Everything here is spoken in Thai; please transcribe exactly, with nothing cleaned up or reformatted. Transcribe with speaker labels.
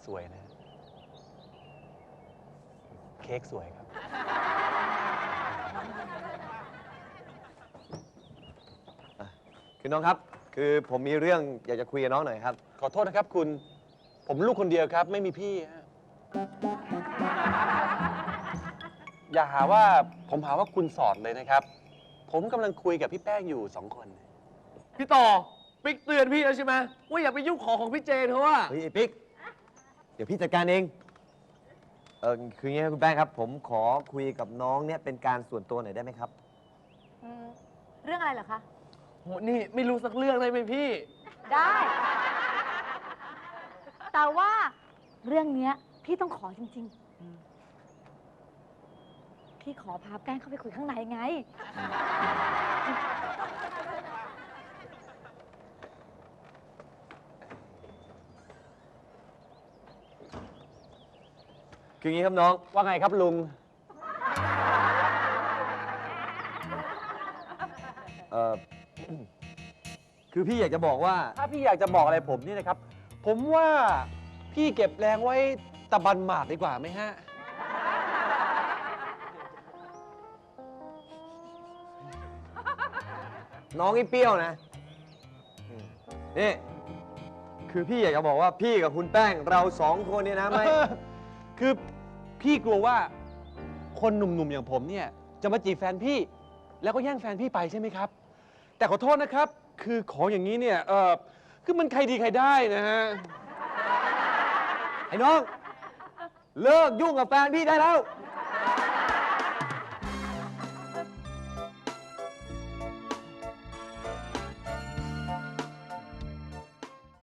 Speaker 1: สวยนะเค้กสวยครับ
Speaker 2: คือน้องครับคือผมมีเรื่องอยากจะคุยกับน้องหน่อยครับ
Speaker 1: ขอโทษนะครับคุณผมลูกคนเดียวครับไม่มีพี่ฮะอย่าหาว่าผมหาว่าคุณสอดเลยนะครับผมกำลังคุยกับพี่แป้งอยู่สองคน
Speaker 3: พี่ต่อปิ๊กเตือนพี่แล้วใช่ไหมว่าอย่าไปยุ่งของของพี่เจนเขาว่า
Speaker 2: เฮ้ยไอ้ปิ๊กเดี๋ยวพี่จัดการเองเออคืออย่างนี้ครับคุณแป้งครับผมขอคุยกับน้องเนี่ยเป็นการส่วนตัวหน่อยได้ไหมครับ
Speaker 4: เรื่องอะไรเหรอคะ
Speaker 3: โหนี่ไม่รู้สักเรื่องเลยไหมพี่
Speaker 4: ได้ แต่ว่าเรื่องเนี้ยพี่ต้องขอจริงๆพี่ขอพาแป้งเข้าไปคุยข้างในไง
Speaker 2: คืออย่างนี้ครับน้อง
Speaker 1: ว่าไงครับลุง
Speaker 2: เออคือพี่อยากจะบอกว่า
Speaker 1: ถ้าพี่อยากจะบอกอะไรผมนี่นะครับผมว่าพี่เก็บแรงไว้ตะบันหมากดีกว่าไหมฮะ
Speaker 2: น้องนี่เปรี้ยวนะนี่คือพี่อยากจะบอกว่าพี่กับคุณแป้งเราสองคนเนี่ยนะไม่
Speaker 1: คือพี่กลัวว่าคนหนุ่มๆอย่างผมเนี่ยจะมาจีบแฟนพี่แล้วก็แย่งแฟนพี่ไปใช่ไหมครับแต่ขอโทษนะครับคือของอย่างนี้เนี่ยเออคือมันใครดีใครได้นะฮะ
Speaker 2: ไอ้น้องเลิกยุ่งกับแฟนพี่ได้แล้ว